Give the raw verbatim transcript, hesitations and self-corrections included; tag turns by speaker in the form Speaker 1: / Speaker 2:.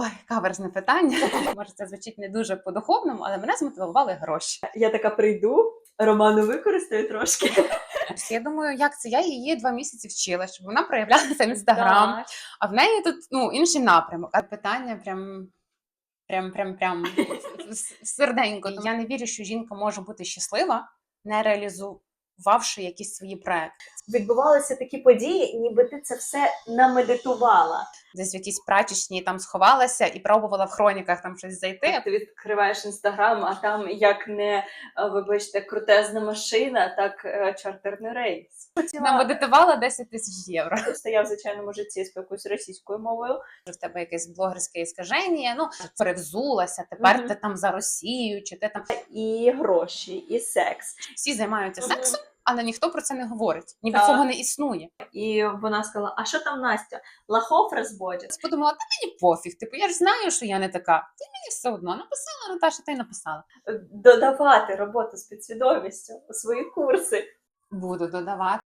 Speaker 1: Ой, каверзне питання. Може, це звучить не дуже по-духовному, але мене змотивували гроші.
Speaker 2: Я така прийду, Роману використаю трошки.
Speaker 1: Я думаю, як це? Я її два місяці вчила, щоб вона проявлялася в Інстаграм,
Speaker 2: Так.
Speaker 1: а в неї тут ну, інший напрямок. А питання прям, прям, прям, прям в серденько. Я не вірю, що жінка може бути щаслива, не реалізувавши якісь свої проекти.
Speaker 2: Відбувалися такі події, ніби ти це все намедитувала.
Speaker 1: Десь в якійсь прачечній там сховалася і пробувала в хроніках там щось зайти.
Speaker 2: Ти відкриваєш Інстаграм, а там як не, вибачте, крутезна машина, так е, чартерний рейс.
Speaker 1: Намедитувала десять тисяч євро.
Speaker 2: Просто я в звичайному житті спілкуюсь російською мовою.
Speaker 1: В тебе якесь блогерське іскаження, ну, перевзулася, тепер
Speaker 2: Мгм.
Speaker 1: ти там за Росію, чи ти там...
Speaker 2: І гроші, і секс.
Speaker 1: Всі займаються
Speaker 2: Мгм.
Speaker 1: сексом, але ніхто про це не говорить. Ніби
Speaker 2: Так.
Speaker 1: цього не існує.
Speaker 2: І вона сказала, а що там Настя? Лохов розводять?
Speaker 1: Я подумала, та мені пофіг, типу, я ж знаю, що я не така. Ти мені все одно написала, Наташа, ти й написала.
Speaker 2: Додавати роботу з підсвідомістю у свої курси.
Speaker 1: Буду додавати.